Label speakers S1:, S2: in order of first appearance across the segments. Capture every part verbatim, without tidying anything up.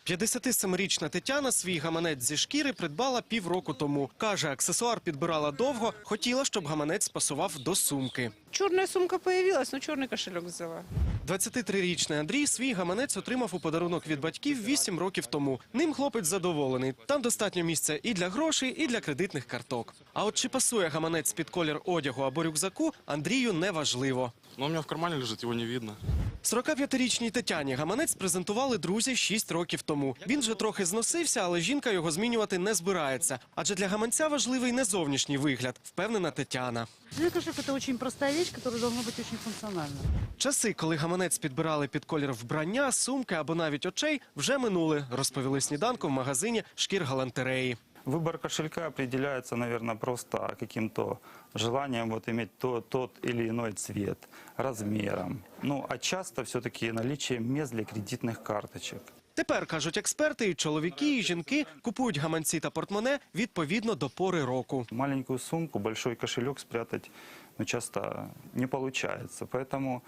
S1: п'ятдесятисемирічна Тетяна свій гаманець зі шкіри придбала півроку тому. Каже, аксесуар підбирала довго, хотіла, щоб гаманець пасував до сумки.
S2: Черная сумка появилась, но черный кошелек взяла.
S1: двадцятитрирічний Андрій свій гаманець отримав у подарунок від батьків вісім років тому. Ним хлопець задоволений. Там достатньо місця і для грошей, і для кредитних карток. А от чи пасує гаманець під колір одягу або рюкзаку, Андрію не важливо.
S3: Но у меня в кармане лежит, его не видно.
S1: сорокап'ятирічній Тетяні гаманець презентували друзі шість років тому. Він вже трохи зносився, але жінка його змінювати не збирається. Адже для гаманця важливий не зовнішній вигляд, впевнена Тетяна.
S4: Кошелек – это очень простая вещь, которая должна быть очень функциональна.
S1: Часи, коли гаманець підбирали під колір вбрання, сумки або навіть очей, вже минули, розповіли сніданку в магазині «Шкір галантереї».
S5: Выбор кошелька определяется, наверное, просто каким-то желанием вот иметь то, тот или иной цвет, размером. Ну, а часто все-таки наличием мест для кредитных карточек.
S1: Тепер, кажуть експерти, і чоловіки, і жінки купують гаманці та портмоне відповідно до пори року.
S5: Маленькую сумку, большой кошелек спрятать ну, часто не получается. Поэтому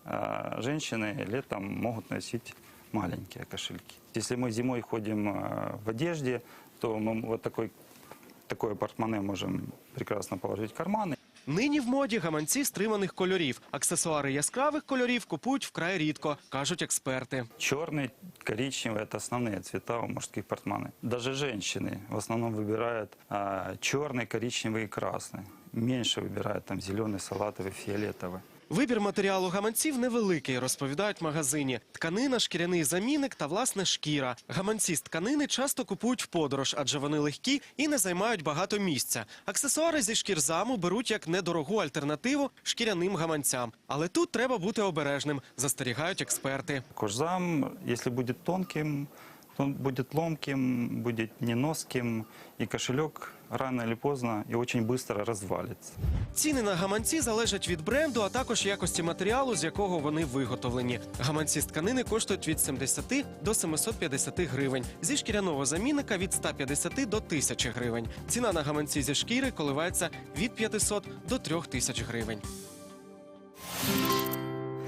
S5: э, женщины летом могут носить маленькие кошельки. Если мы зимой ходим э, в одежде, то мы вот такой, такое портмоне можем прекрасно положить в карманы.
S1: Нині в моді гаманці стриманих кольорів. Аксесуари яскравих кольорів купують вкрай рідко, кажуть експерти.
S5: Черный, коричневый – это основные цвета у мужских портмоне. Даже женщины в основном выбирают а, черный, коричневый и красный. Меньше выбирают там зеленый, салатовый, фиолетовый.
S1: Вибір матеріалу гаманців невеликий, розповідають в магазині. Тканина, шкіряний замінник та, власне, шкіра. Гаманці з тканини часто купують в подорож, адже вони легкі і не займають багато місця. Аксесуари зі шкірзаму беруть як недорогу альтернативу шкіряним гаманцям. Але тут треба бути обережним, застерігають експерти.
S5: Кожзам, если будет тонким, то он будет ломким, будет неноским, и кошелек рано или поздно и очень быстро развалится.
S1: Ціни на гаманці залежать від бренду, а також якості матеріалу, з якого вони виготовлені. Гаманці з тканини коштують від сімдесяти до семисот п'ятдесяти гривень. Зі шкіряного замінника – від ста п'ятдесяти до тисячі гривень. Ціна на гаманці зі шкіри коливається від п'ятисот до трьох тисяч гривень.